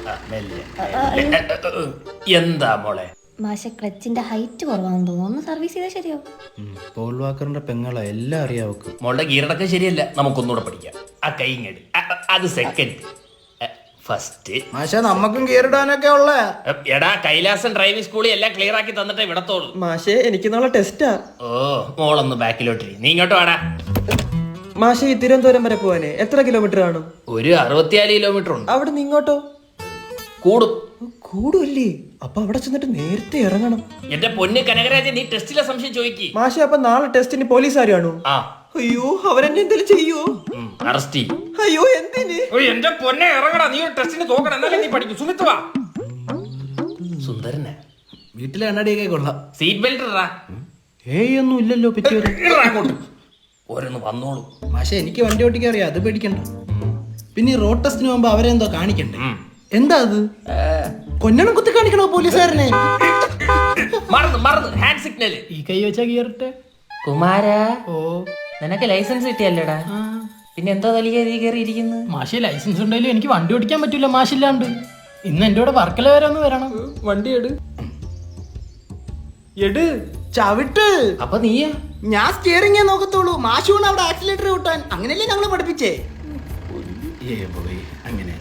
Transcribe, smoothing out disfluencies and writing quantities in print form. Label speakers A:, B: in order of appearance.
A: എന്താ മോളെ?
B: മാഷെ ക്ലച്ചിന്റെ ഹൈറ്റ് കുറവാണെന്ന് തോന്നുന്നു. ഒന്ന് സർവീസ് ചെയ്താൽ ശരിയാവും.
C: പോൾ വാക്കറിന്റെ പെങ്ങളെ എല്ലാം അറിയാവക്ക്.
A: മോളുടെ ഗീറടക്കം ശരിയല്ല, നമുക്കൊന്നുകൂടെ പഠിക്കാം. ആ കൈങ്ങടി അത് സെക്കൻഡ്. ഫസ്റ്റ്
C: മാഷ നമ്മക്കും ഗിയറിടാനൊക്കെ ഉള്ള.
A: എടാ കൈലാസൻ ഡ്രൈവിംഗ് സ്കൂളിൽ എല്ലാം ക്ലിയർ ആക്കി തന്നിട്ടേ വിടത്തോളൂ.
D: മാഷേ എനിക്ക് നാളെ ടെസ്റ്റാ.
A: ഓ മോളൊന്ന് ബാക്കിലോട്ട് നീ ഇങ്ങോട്ട് വാടാ.
D: മാഷേ ഈ തിരുവനന്തപുരം വരെ പോവാനേ എത്ര കിലോമീറ്റർ കാണും?
A: ഒരു 64 കിലോമീറ്റർ ഉണ്ട്.
D: അവിടെ നിന്ന് ഇങ്ങോട്ടോ?
A: കൂടും.
D: കൂടുമല്ലേ? അപ്പൊ അവിടെ ചെന്നിട്ട് നേരത്തെ ഇറങ്ങണം.
A: എന്റെ പൊന്ന് കനകരാജൻ, നീ ടെസ്റ്റിലെ സംശയം ചോദിക്കി.
D: മാഷെ അപ്പൊ നാളെ ടെസ്റ്റിന് പോലീസുകാരാണോ?
A: ആ
D: അയ്യോ അവരെന്നെ എന്തെങ്കിലും ചെയ്യോ?
A: അറസ്റ്റ് ചെയ്യും.
D: അയ്യോ എന്തിന്?
A: എന്റെ പൊന്നെ ഇറങ്ങടാ, നീ ഒരു ടെസ്റ്റിന് തോക്കണം, എന്നാലും നീ പഠിക്കും. സുമിത്ത് വാ. സുന്ദരനെ
C: വീട്ടിലെ എണ്ണടിയൊക്കെ കൊള്ളാം.
A: സീറ്റ് ബെൽറ്റ് ഇടാ.
C: ഒന്നും ഇല്ലല്ലോ പറ്റിയത്.
A: ഓരോന്ന് വന്നോളൂ.
C: മാഷ എനിക്ക് വണ്ടി ഓട്ടിക്കാൻ അറിയാം, അത് പേടിക്കണ്ട. പിന്നെ ഈ റോഡ് ടെസ്റ്റിന് പോകുമ്പോ അവരെന്തോ കാണിക്കണ്ടേ? എന്താ അത്? കൊല്ലണം കുത്തി കാണിക്കണോ പോലീസുകാരനെ?
A: മറന്നു ഹാൻഡ് സിഗ്നൽ.
C: ഈ കൈ വെച്ചാ ഗിയറിട്ടെ.
A: കുമാരാ, ഓ നിനക്ക് ലൈസൻസ് കിട്ടിയല്ലേടാ? പിന്നെ എന്താ തലിയ കയറിയിരിക്കുന്നു?
E: മാഷി ലൈസൻസ് ഉണ്ടെങ്കിലും എനിക്ക് വണ്ടി ഓടിക്കാൻ പറ്റൂല മാഷില്ലാണ്ട്. ഇന്ന് എന്റെ കൂടെ വർക്കല വരെ ഒന്ന് വരണം.
D: വണ്ടി എട് ചവിട്ട്.
A: അപ്പൊ നീയാ?
C: ഞാൻ സ്റ്റിയറിംഗേ നോക്കത്തുള്ളൂ. മാഷൂണ് അവിടെ ആക്സിലേറ്റർ കൂട്ടാൻ. അങ്ങനെയല്ലേ ഞങ്ങള് പഠിപ്പിച്ചേ. അങ്ങനെ